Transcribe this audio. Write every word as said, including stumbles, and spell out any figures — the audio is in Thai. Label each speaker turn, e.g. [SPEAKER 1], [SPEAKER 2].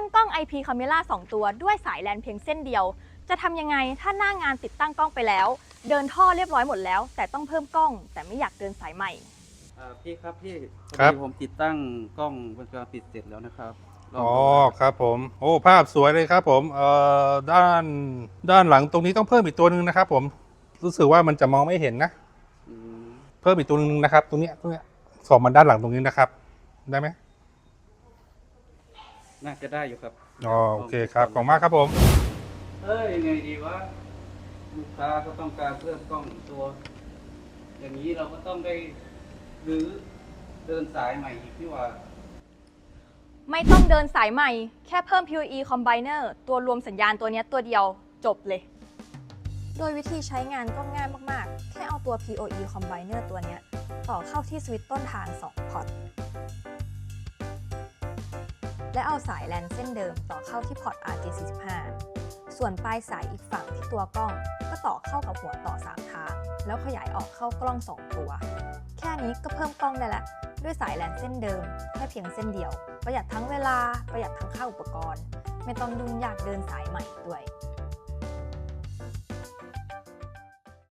[SPEAKER 1] กล้อง ไอ พี Camera สองตัวด้วยสายแลนเพียงเส้นเดียวจะทำยังไงถ้าหน้างานติดตั้งกล้องไปแล้วเดินท่อเรียบร้อยหมดแล้วแต่ต้องเพิ่มกล้องแต่ไม่อยากเดินสายใหม่
[SPEAKER 2] พี่ครับพี่พอ
[SPEAKER 3] ครับ
[SPEAKER 2] ดีผมติดตั้งกล้องวงจรปิดเสร็จแล้วนะครับลง
[SPEAKER 3] อ๋อ
[SPEAKER 2] ดูนะครับ
[SPEAKER 3] ครับผมโอ้ภาพสวยเลยครับผมเอ่อด้านด้านหลังตรงนี้ต้องเพิ่มอีกตัวหนึ่งนะครับผมรู้สึกว่ามันจะมองไม่เห็นนะ
[SPEAKER 2] อืม
[SPEAKER 3] เพิ่มอีกตัวหนึ่งนะครับ ตรงเนี้ยตรงเนี้ยส่องมาด้านหลังตรงนี้นะครับ ได้ไหม
[SPEAKER 2] น่าจะได้อยู่ครับ
[SPEAKER 3] อ๋อโอเคครับขอบคุณมากครับผม
[SPEAKER 2] เอ้ยยังไงดีวะลูกค้าก็ต้องการเพิ่มกล้องอีกตัว อย่างนี้เราก็ต้องได้หรือเดินสายใหม่อีกที่ว่า
[SPEAKER 1] ไม่ต้องเดินสายใหม่แค่เพิ่ม พี โอ อี Combiner ตัวรวมสัญญาณตัวนี้ตัวเดียวจบเลย โดยวิธีใช้งานก็ง่ายมากๆ แค่เอาตัว พี โอ อี Combiner ตัวนี้ต่อเข้าที่สวิตช์ต้นทางสองพอร์ตและเอาสายแลนเส้นเดิมต่อเข้าที่พอร์ต อาร์ เจ สี่สิบห้า ส่วนปลายสายอีกฝั่งที่ตัวกล้องก็ต่อเข้ากับหัวต่อสามทางแล้วขยายออกเข้ากล้องสองตัว แค่นี้ก็เพิ่มกล้องได้ละด้วยสายแลนเส้นเดิมแค่เพียงเส้นเดียวประหยัดทั้งเวลาประหยัดทั้งค่าอุปกรณ์ไม่ต้องยุ่งยากเดินสายใหม่ด้วย